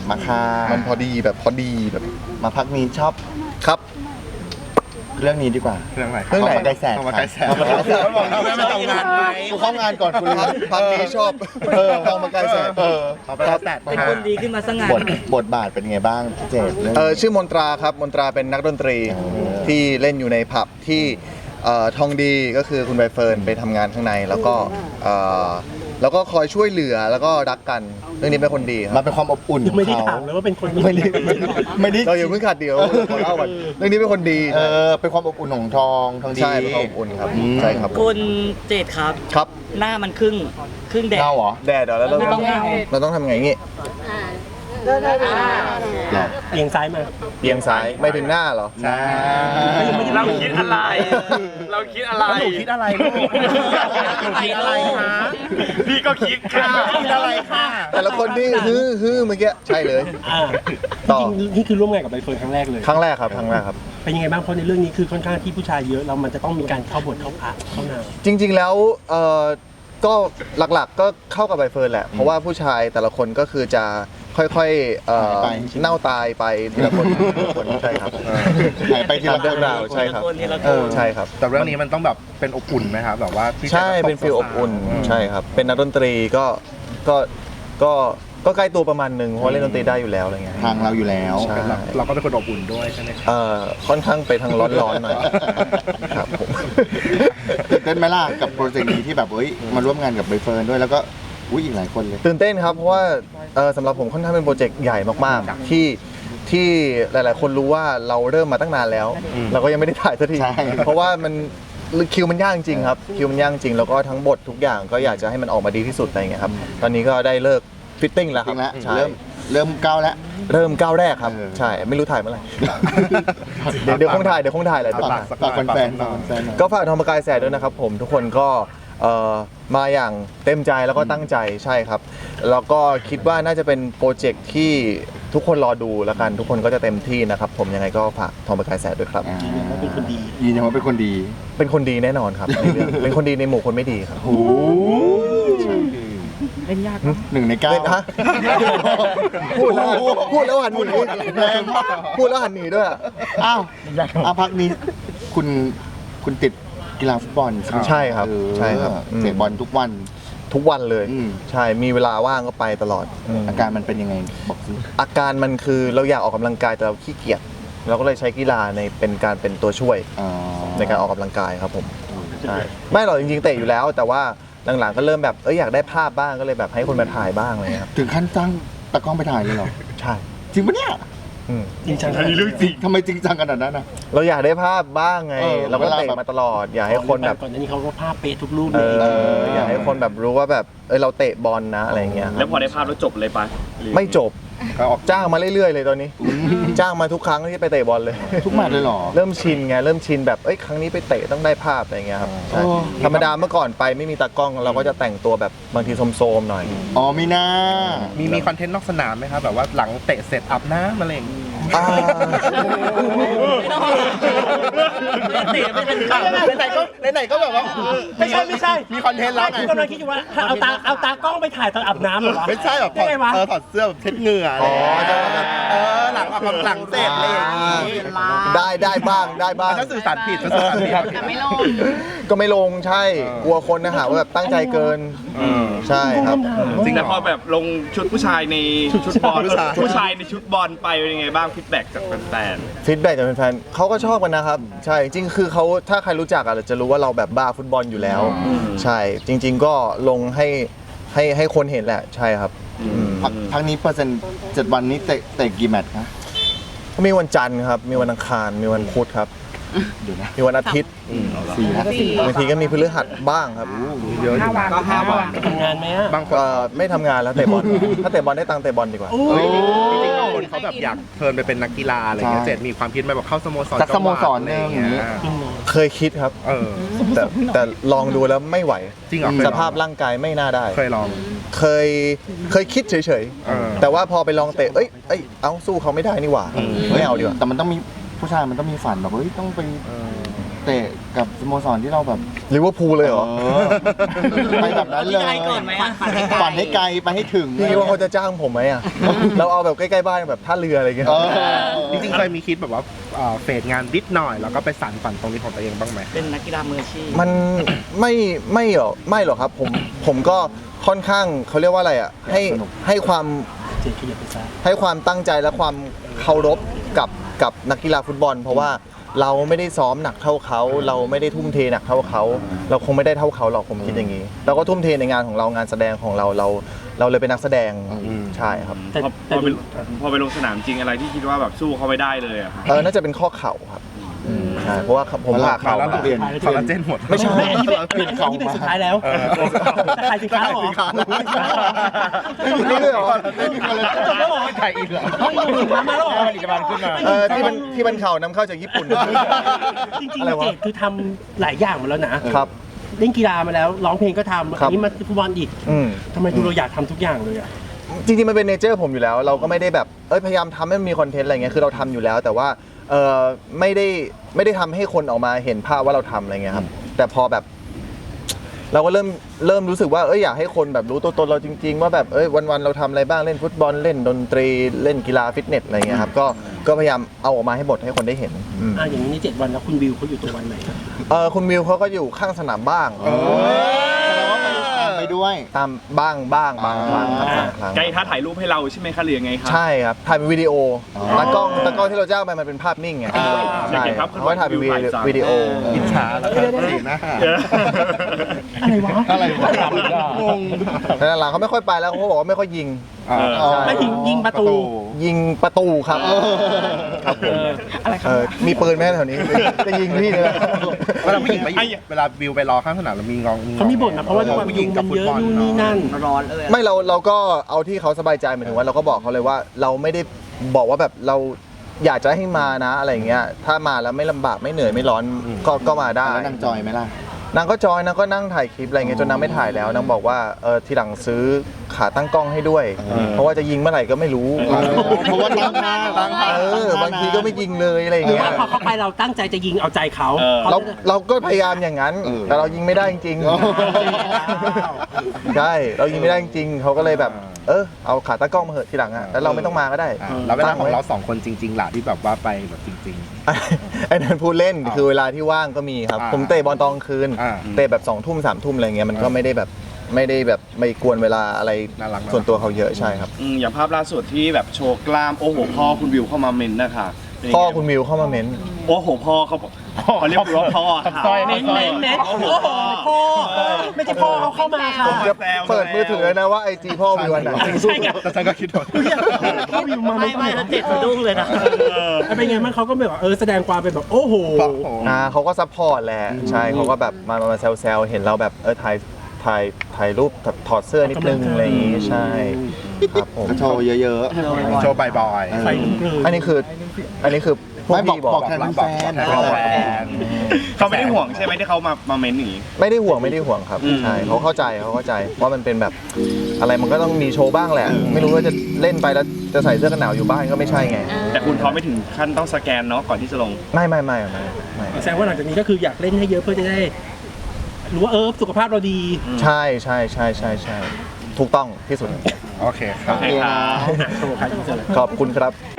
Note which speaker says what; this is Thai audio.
Speaker 1: มาค่ามันพอดีแบบมาพักนี้ชอบครับเรื่องนี้ดีกว่าเรื่องไหนไกลแสนไม่ทำงานไหมกูเข้างานก่อนคุณพักนี้ชอบทองมาไกลแสน
Speaker 2: เป็นคนดีขึ้นมาสักงาน
Speaker 1: บทบาทเป็นไงบ้างเจด
Speaker 3: ชื่อมนตราครับมนตราเป็นนักดนตรีที่เล่นอยู่ในผับที่ทองดีก็คือคุณใบเฟิร์นไปทำงานข้างในแล้วก็คอยช่วยเหลือแล้วก็รักกันเรื่องนี้เป็นคนดีครับ
Speaker 1: มันเป็นความอบอุ่น
Speaker 4: ไม่ได้ถามเลยว่าเป็นคน
Speaker 1: ไม่ได้
Speaker 3: เราอย่าเพิ่งขาดเดียวขอเล่าก่อนเรื่องนี้เป็นคนดี
Speaker 1: เป็นความอบอุ่นของทองดี
Speaker 3: ใช่เป็นความอบอุ่นครับใช่ครับ
Speaker 2: คุณเจดครับหน้ามันครึ่งแดด
Speaker 1: เหรอ
Speaker 3: แดดแล้วเราต้องทำไงงี้
Speaker 4: เอียงซ้ายมา
Speaker 3: เอียงซ้ายไม่ถึงหน้าเหรอ
Speaker 1: ใช่
Speaker 5: เราคิดอะไรเราคิดอะไร
Speaker 1: ลูกคิดอะไรคะ
Speaker 5: พี่ก็คิดค่ะ
Speaker 1: คิดอะไรค่ะ
Speaker 3: แต่ละคนที่ฮือเมื่อกี้ใช่เลย
Speaker 4: ต่อนี่คือร่วมงานกับใบเฟิร์นครั้งแรกเลย
Speaker 3: ครั้งแรกครับ
Speaker 4: เป็นยังไงบ้างเพราะในเรื่องนี้คือค่อนข้างที่ผู้ชายเยอะแล้วมันจะต้องมีการเข้าบทเข้าพระเข้านาง
Speaker 3: จริงๆแล้วก็หลักๆก็เข้ากับใบเฟิร์นแหละเพราะว่าผู้ชายแต่ละคนก็คือจะค่อยๆเน่าตายไปทีละคนใช่ครับ
Speaker 1: หายไปทีละเรื่อง
Speaker 3: ราวใช่ครับใช่ครับ
Speaker 1: แต่เรื่องนี้มันต้องแบบเป็นอบอุ่นไหมครับแบบว่า
Speaker 3: ใช่เป็นฟีลอบอุ่นใช่ครับเป็นนักดนตรีก็ใกล้ตัวประมาณนึงเพราะเล่นดนตรีได้อยู่แล้วอะไรเงี้ย
Speaker 1: ทางเราอยู่แล้วเราก็เป็นคนอบอุ่นด้วยใช่ไหม
Speaker 3: ค่อนข้างไปทางร้อนๆหน่อยครับผม
Speaker 1: ตื่นเต้นไหมล่ะกับโปรเจกต์นี้ที่แบบมาร่วมงานกับใบเฟิร์นด้วยแล้วก็อีกหลายคนเลย
Speaker 3: ตื่นเต้นครับเพราะว่าสำหรับผมค่อนข้างเป็นโปรเจกต์ใหญ่มากๆที่หลายๆคนรู้ว่าเราเริ่มมาตั้งนานแล้วเราก็ยังไม่ได้ถ่ายสักทีเพราะว่ามันคิวมันยากจริงครับคิวมันยากจริงแล้วก็ทั้งบททุกอย่างก็อยากจะให้มันออกมาดีที่สุดอะไรเงี้ยครับตอนนี้ก็ได้เลิกฟิตติ้งแล้วครับ
Speaker 1: เริ่มก้าวแล้ว
Speaker 3: เริ่มก้าวแรกครับใช่ไม่รู้ถ่ายเมื่อไหร่เดี๋ยวคงถ่ายอะไร
Speaker 1: ฝากแฟน
Speaker 3: ก็ฝากทองประกายแสดด้วยนะครับผมทุกคนก็มาอย่างเต็มใจแล้วก็ตั้งใจใช่ครับแล้วก็คิดว่าน่าจะเป็นโปรเจกต์ที่ทุกคนรอดูแล้วกันทุกคนก็จะเต็มที่นะครับผมยังไงก็ฝากทองประกายแสดด้วยครับ
Speaker 4: เป็นคนดี
Speaker 1: ยืนยันว่าเป็นคนดี
Speaker 3: แน่นอนครับในเรื่องเป็นคนดีในหมู่คนไม่ดีครับ
Speaker 2: เล่นยาก
Speaker 1: 1 ใน 9
Speaker 3: พูดแล้วหันหนีแรงมากพูดแล้วหันหนีด้วย
Speaker 1: อ้าวพักนี้คุณติดกีฬาฟุตบอล
Speaker 3: ใช่ครับ
Speaker 1: เตะบอลทุกวัน
Speaker 3: เลยใช่มีเวลาว่างก็ไปตลอด
Speaker 1: อาการมันเป็นยังไงบอกสิ
Speaker 3: อาการมันคือเราอยากออกกำลังกายแต่เราขี้เกียจเราก็เลยใช้กีฬาเป็นตัวช่วยในการออกกำลังกายครับผมใช่ไม่หรอกจริงๆเตะอยู่แล้วแต่ว่าหลังๆก็เริ่มแบบอยากได้ภาพบ้างก็เลยแบบให้คนมาถ่ายบ้างอะไรครับ
Speaker 1: ถึงขั้นจ้างตากล้องไปถ่ายเลยเหรอ
Speaker 3: ใช่
Speaker 1: จริงปะเนี่ย
Speaker 4: จริงจัง
Speaker 1: เรื่องจริงทำไมจริงจังขนาดนั้นนะ
Speaker 3: เราอยากได้ภาพบ้างไงเราก็เตะมาตลอดอยากให้คนแบบ
Speaker 4: ก่อนหน้านี้เขาก็ภาพเป๊ะทุกรูปเลย
Speaker 3: อยากให้คนแบบรู้ว่าแบบเราเตะบอลนะอะไรเงี้ย
Speaker 5: แล้วพอได้ภาพแล้วจบเลยปะ
Speaker 3: ไม่จบจ้างมาเรื่อยๆเลยตอนนี้จ้างมาทุกครั้งที่ไปเตะบอลเลย
Speaker 1: ทุกแมตช์เลยหรอ
Speaker 3: เริ่มชินไงเริ่มชินแบบครั้งนี้ไปเตะต้องได้ภาพอะไรเงี้ยครับธรรมดาเมื่อก่อนไปไม่มีตากล้องเราก็จะแต่งตัวแบบบางทีโซมๆหน่อย
Speaker 1: มีหน้ามีคอนเทนต์นอกสนามไหมครับแบบว่าหลังเตะเสร็จอาบน้ำอะไรอย่างงี้ไหนก็แบบว่า
Speaker 4: ไม่ใช่
Speaker 1: มีคอนเทนต์แล้วไง
Speaker 4: กำลังคิดอยู่ว่าเอาตากล้องไปถ่ายตอนอาบน้ำเหรอ
Speaker 1: ไม่ใช่แบบถอดเสื้อแบบเช็ดเหงื่อหลังออกกำลังเสร็จอะไรอย่างงี้
Speaker 3: ได้บ้าง
Speaker 1: ถ้าสื่อสารผิด
Speaker 6: แต่ไม่ลง
Speaker 3: ก็ไม่ลงใช่กลัวคนนะหาว่าแบบตั้งใจเกินใช่ครับ
Speaker 5: จริงแล้วพอแบบลงชุดผู้ชายในชุดบอลผู้ชายในชุดบอลไปเป็นยังไงบ้างฟีดแบ็กจากแฟน
Speaker 3: จากแฟนเขาก็ชอบกันนะครับใช่จริงคือเขาถ้าใครรู้จักจะรู้ว่าเราแบบบ้าฟุตบอลอยู่แล้วใช่จริงๆก็ลงให้คนเห็นแหละใช่ครับ
Speaker 1: พักนี้เปอร์เซ็นต์7 วันนี้เตะกี่แมตช์นะ
Speaker 3: มีวันจันทร์ครับมีวันอังคารมีวันพุธครับมีวันอาทิตย์บางทีก็มีพฤหัสบ้างครับ
Speaker 1: เยอะอยู่
Speaker 4: ก็5 วันทำงานไหม
Speaker 3: บางคนไม่ทำงานแล้วเตะบอลถ้าเตะบอลได้ตังค์เตะบอลดีกว่า
Speaker 1: จริงๆบางคนเขาแบบอยากเทิร์นไปเป็นนักกีฬาอะไรเงี้ยเจ็ดมีความคิดไหมแบบเข้าสโมสรอะไรอย่างเงี้ย
Speaker 3: เคยคิดครับแต่ลองดูแล้วไม่ไหว
Speaker 1: จริงเหรอ
Speaker 3: สภาพร่างกายไม่น่าได้
Speaker 1: เคยลอง
Speaker 3: เคยคิดเฉยๆแต่ว่าพอไปลองเตะเอาสู้เขาไม่ได้นี่หว่าไม่เอาดีกว่า
Speaker 1: แต่มันต้องมีผู้ชายมันต้องมีฝันแบบต้องไปเตะกับสโมสรที่เราแบบ
Speaker 3: ลิเวอร์พูลเลยเหรอ
Speaker 1: ไปแบบนั้นเลย
Speaker 2: ฝันให้ไกลก่อนไหมอะ
Speaker 1: ฝันให้ไกลไปให้ถึง
Speaker 3: พี่คิดว่าเขาจะจ้างผมไหมอ่ะ เราเอาแบบใกล้ๆบ้านแบบท่าเรืออะไรเงี้ย
Speaker 1: เออ
Speaker 6: จริงๆเคยมีคิดแบบว่าเฟดงานนิดหน่อยแล้วก็ไปสานฝันตรงนี้ของตัวเองบ้างไหม
Speaker 2: เป็นนักกีฬามืออาชีพ
Speaker 3: มันไม่หรอกครับผมก็ค่อนข้างเขาเรียกว่าอะไรอ่ะให้ความ
Speaker 4: เจ็ดขยับไปซ้าย
Speaker 3: ให้ความตั้งใจและความเคารพกับนักกีฬาฟุตบอล เพราะว่าเราไม่ได้ซ้อมหนักเท่าเขา เราไม่ได้ทุ่มเทหนักเท่าเขา เราคงไม่ได้เท่าเขาหรอกผมคิดอย่างนี้ เราก็ทุ่มเทในงานของเรางานแสดงของเราเลยเป็นนักแสดงใช่ครับ
Speaker 4: แต่
Speaker 5: พอไปลงสนามจริงอะไรที่คิดว่าแบบสู้เขาไม่ได้เลยอะครับ
Speaker 3: น่าจะเป็นข้อเข่าครับใช่เพราะว่าผมผ่าเข่า
Speaker 6: แล้ว
Speaker 3: มา
Speaker 6: เปลี่ยนคอลลาเจนหมด
Speaker 3: ไม่ใช่
Speaker 4: ไม่อันนี้เป็นสุดท้ายแล้วแต่ขายสินค้าเหรอ
Speaker 3: นี่เลยเหรอ
Speaker 4: แล้วเหรอ
Speaker 6: ใครอีกเหรอ
Speaker 4: ไม่มีสินค้ามาแล้วเหรอ
Speaker 6: ผลิตภัณฑ์ขึ้นมา
Speaker 3: ที่มันเข่านำเข้าจากญี่ปุ่น
Speaker 4: จริง
Speaker 3: อะไร
Speaker 4: ๆ
Speaker 3: วะ
Speaker 4: เจดคือทำหลายอย่างมาแล้วนะครับ เล่นกีฬามาแล้วร้องเพลงก็ทำ
Speaker 3: ครั
Speaker 4: อั
Speaker 3: บ
Speaker 4: นนี้มาฟุตบอลอีก
Speaker 3: อืม
Speaker 4: ทำไมดูเราอยากทำทุกอย่างเลยอ่ะ
Speaker 3: จริงๆมันเป็นเนเจอร์ผมอยู่แล้ว เราก็ไม่ได้แบบพยายามทำให้มันมีคอนเทนต์อะไรเงี้ยคือเราทำอยู่แล้ว แต่ว่าไม่ได้ทำให้คนออกมาเห็นภาพว่าเราทำอะไรเงี้ยครับแต่พอแบบ เราก็เริ่มรู้สึกว่าอยากให้คนแบบรู้ตัวตนเราจริงๆว่าแบบวันๆเราทำอะไรบ้างเล่นฟุตบอลเล่นดนตรีเล่นกีฬาฟิตเนสอะไรเงี้ยครับก็พยายามเอาออกมาให้หมดให้คนได้เห็น
Speaker 4: อย่างนี้ใน7 วันแล้วคุณวิวเขาอยู่ตัววันไหน
Speaker 3: คุณวิวเขาก็อยู่ข้างสนามบ้าง
Speaker 1: แสดงว่าไปด้วย
Speaker 3: ตามบ้างบางครั้งครับบางครั้ง
Speaker 5: ไกด์ท้าถ่ายรูปให้เราใช่ไหมคะหรือยังไงครับ
Speaker 3: ใช่ครับถ่ายเป็นวิดีโอตากล้องที่เราจ้างไปมันเป็นภาพนิ่งไง
Speaker 5: อยากเห็นภาพเคลื่อนไหว
Speaker 3: เขาถ่ายเป็นวิดีโอ
Speaker 6: อิจฉาแล้วครับสีหน้า
Speaker 4: อะไรวะ
Speaker 1: อะไรวะ
Speaker 6: งง
Speaker 3: แต่หลังๆเขาไม่ค่อยไปแล้วเขาบอกว่าไม่ค่อยยิง
Speaker 4: ไม่ถึงยิงประตู
Speaker 3: ยิงประตูครับครับผม
Speaker 4: อะไรครับ
Speaker 3: มีปืนไหมแถวนี้จะยิงพี่เลย
Speaker 6: เวลาผู้หญิงไปอยู่เวลาวิวไปรอข้างสนามเรามีงอง
Speaker 4: เขามีบ่นนะเพราะว่าด้วยความยุงมันเยอะนู่นนี่นั่น
Speaker 2: ร้อนเลยอะ
Speaker 3: ไม่เราก็เอาที่เขาสบายใจหมายถึงว่าเราก็บอกเขาเลยว่าเราไม่ได้บอกว่าแบบเราอยากจะให้มานะอะไรอย่างเงี้ยถ้ามาแล้วไม่ลำบากไม่เหนื่อยไม่ร้อนก็มาได้
Speaker 1: แล้วนางจอยไหมล่ะ
Speaker 3: นางก็จอยนางก็นั่งถ่ายคลิปอะไรเงี้ยจนนางไม่ถ่ายแล้วนางบอกว่าทีหลังซื้อขาตั้งกล้องให้ด้วย เพราะว่าจะยิงเมื่อไหร่ก็ไม่รู้
Speaker 1: เพราะว่าตั้งหน้า
Speaker 3: บางทีก็ไม่ยิงเลยอะไร
Speaker 4: หรือ
Speaker 3: เงี้
Speaker 4: ว่าย พอเขาไปเราตั้งใจจะยิงเอาใจเขา
Speaker 3: เราก็พยายามอย่างนั้น แต่เรายิงไม่ได้จริงๆใช่เรายิงไม่ได้จริงๆเขาก็เลยแบบเอาขาตั้งกล้องมาเหอะทีหลังอ่ะแล้วเราไม่ต้องมาก็ได้
Speaker 6: แล้วเวลาของเรา2 คนจริงๆล่ะที่แบบว่าไปแบบจริง
Speaker 3: ไอ้นั้นพูดเล่นคือเวลาที่ว่างก็มีครับผมเตะบอลตอนกลางคืน
Speaker 6: อ่า
Speaker 3: เตะแบบ2 ทุ่ม3 ทุ่มอะไรเงี้ยมันก็ไม่ได้แบบไม่กวนเวลาอะไร
Speaker 6: น่ารัก
Speaker 3: ส่วนตัวเขาเยอะใช่ครับ
Speaker 5: อย่างภาพล่าสุดที่แบบโชว์กล้ามโอ้โหพ่อคุณวิวเข้ามาเมนต์นะคะเป็นยังไง
Speaker 3: พ่อคุณมิวเข้ามาเม้น
Speaker 5: โอ้โหพ่อเขาบอกเขาเรียกว่าพ่อค่ะ
Speaker 4: เม้นโอ้โหพ่อไม่ใช่พ่อเขาเข้ามาค่ะ
Speaker 3: ผมจะเปิดมือถือนะว่าไอจีพ่อวิวอันไหน
Speaker 4: ใช่ไง
Speaker 6: แต่ฉันก็คิดว่า
Speaker 4: พ่อวิวมา
Speaker 2: ไม่แล้วเจ็ดสะดุ้งเลยนะ
Speaker 4: เป็นไงบ้างเขาก็แบบแสดงความเป็นแบบโอ้โห
Speaker 3: เขาก็ซัพพอร์ตแหละใช่เขาก็แบบมาแซวๆเห็นเราแบบถ่ายรูปถอดเสื้อนิดนึงอะไรอย่างงี้ใช่ครับผม
Speaker 1: โชว์เยอะ
Speaker 6: โชว์บ่อย
Speaker 4: ไฟลุกเลย
Speaker 3: อันนี้คือพวก
Speaker 1: ไม่บอก
Speaker 3: พี่บอก
Speaker 1: บอกแทนแฟน
Speaker 5: เขาไม่ได้ห่วงใช่ไหมที่เขามาเมนต์อย่างนี้
Speaker 3: ไม่ได้ห่วงครับใช่เขาเข้าใจว่ามันเป็นแบบอะไรมันก็ต้องมีโชว์บ้างแหละ ไม่รู้ว่าจะเล่นไปแล้วจะใส่เสื้อกันหนาวอยู่บ้านก็ไม่ใช่ไง
Speaker 5: แต่คุณเขาไม่ถึงขั้นต้องสแกนเนาะก่อนที่จะลง
Speaker 3: ไม่
Speaker 4: แสดงว่าหลังจากนี้ก็คืออยากเล่นให้เยอะเพื่อจะได้รู้ว่าสุขภาพเราดี
Speaker 3: ใช่ถูกต้องที่สุด
Speaker 6: ๆ โอเคครับ
Speaker 5: โอเคครับ
Speaker 4: โชว์ใครที่สุด
Speaker 3: ขอบคุณครับ